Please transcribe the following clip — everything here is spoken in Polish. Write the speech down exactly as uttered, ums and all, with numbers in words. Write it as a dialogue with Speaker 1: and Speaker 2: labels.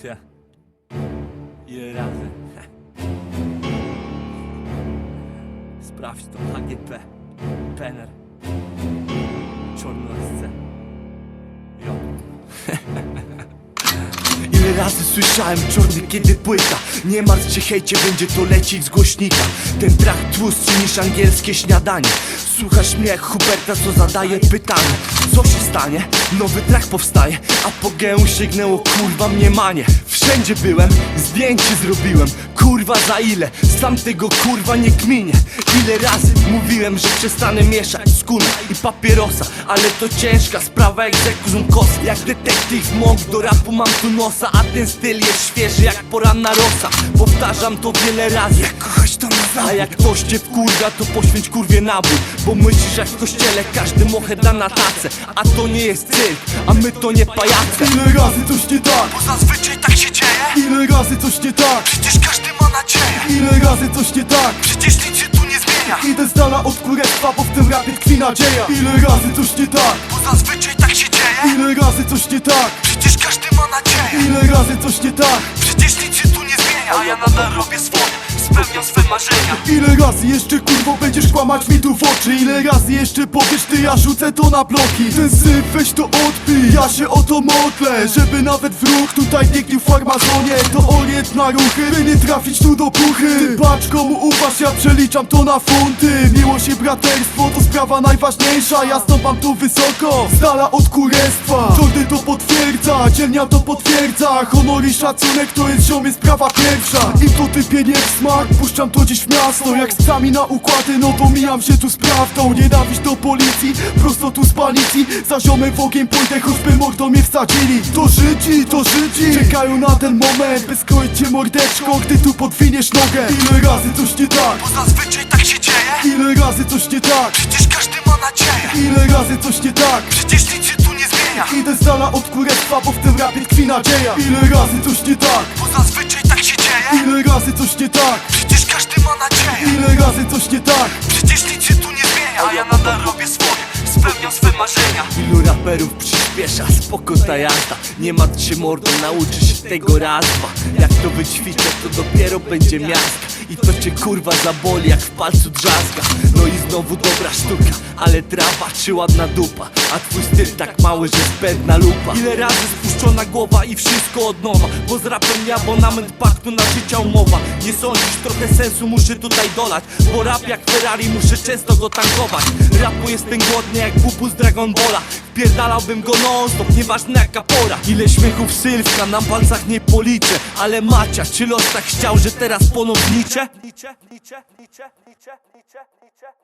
Speaker 1: Ty. Ile razy? Sprawdź to, H G P, Penner, Czornolasce. Jo.
Speaker 2: Ile razy słyszałem czorny kiedy płyta. Nie martw się hejcie, będzie to lecieć z głośnika. Ten trakt tłustszy niż angielskie śniadanie. Słuchasz mnie jak Huberta, co zadaje pytanie. Co się stanie? Nowy track powstaje. Apogeum sięgnęło, kurwa mniemanie. Wszędzie byłem, zdjęcie zrobiłem. Kurwa za ile? Sam tego kurwa nie kminię. Ile razy mówiłem, że przestanę mieszać skóra i papierosa. Ale to ciężka sprawa jak rzekł kos. Jak detektyw Monk, do rapu mam tu nosa. A ten styl jest świeży jak poranna rosa. Powtarzam to wiele razy, jak kogoś to na. A jak ktoś cię wkurwa, to poświęć kurwie nabój. Bo myślisz jak w kościele, każdy mochę da na tacę. A to nie jest cyrk, a my to nie pajace.
Speaker 3: Ile razy coś nie tak,
Speaker 2: Bo zazwyczaj tak się dzieje.
Speaker 3: ile razy coś nie tak,
Speaker 2: Przecież każdy ma nadzieję.
Speaker 3: ile razy coś nie tak.
Speaker 2: Przecież nic się tu nie zmienia.
Speaker 3: Idę z dala od kurestwa, bo w tym rapie tkwi nadzieja. Ile razy coś nie tak,
Speaker 2: Bo zazwyczaj tak się dzieje.
Speaker 3: ile razy coś nie tak,
Speaker 2: Przecież każdy ma nadzieję.
Speaker 3: ile razy coś nie tak.
Speaker 2: Przecież nic się tu nie zmienia. A ja nadal robię swoje, spełniam swe marzenia.
Speaker 3: Ile razy jeszcze kurwo będziesz kłamać mi tu w oczy? Ile razy jeszcze powiesz ty, ja rzucę to na bloki? Ten syf weź to odpij, ja się o to modlę. Żeby nawet wróg tutaj nie gnił w farmazonie. To orient na ruchy, by nie trafić tu do puchy. Ty patrz komu ufasz, ja przeliczam to na funty. Miłość i braterstwo to sprawa najważniejsza. Ja stąpam tu wysoko, z dala od kurestwa. Czorny to potwierdza, dzielnia to potwierdza. Honor i szacunek to jest ziomie sprawa pierwsza. I to typie nie w smak, puszczam to dziś w miasto. Jak z psami na układy, no to mijam się tu z prawdą. Nienawiść do policji, prosto tu z palicji. Za ziomem w ogień pójdę, choćby mordą mnie wsadzili. To Żydzi, to Żydzi czekają na ten moment, by skroić cię mordeczko, gdy tu podwiniesz nogę. Ile razy coś nie tak,
Speaker 2: Bo zazwyczaj tak się dzieje.
Speaker 3: ile razy coś nie tak,
Speaker 2: Przecież każdy ma nadzieję.
Speaker 3: ile razy coś nie tak.
Speaker 2: Przecież nic się tu nie zmienia.
Speaker 3: Idę z dala od kurestwa, bo w tym rapie tkwi nadzieja. Ile razy coś nie tak,
Speaker 2: Bo zazwyczaj tak się dzieje.
Speaker 3: ile razy coś nie tak,
Speaker 2: Przecież każdy ma nadzieję.
Speaker 3: ile razy coś nie tak.
Speaker 2: Przecież nic się tu nie zmienia. A ja nadal robię swoje, spełniam swe marzenia. Ilu raperów przyspiesza, spoko ta jazda. Nie martw się mordą, nauczysz się tego raz, dwa. Jak to wyćwiczę, to dopiero będzie miastka. I to cię kurwa zaboli jak w palcu drzazga. No i znowu dobra sztuka, ale trawa czy ładna dupa. A twój styl tak mały, że zbędna lupa. Ile razy spuszczona głowa i wszystko od nowa. Bo z rapem nie abonament paktu na życia umowa. Nie sądzisz, trochę sensu muszę tutaj dolać. Bo rap jak Ferrari, muszę często go tankować. Rapu jestem głodny jak bubu z Dragon Balla. Wpierdalałbym go non stop, nieważne jaka pora. Ile śmiechów Sylwka na palcach nie policzę. Ale Macia, czy los tak chciał, że teraz ponownicze?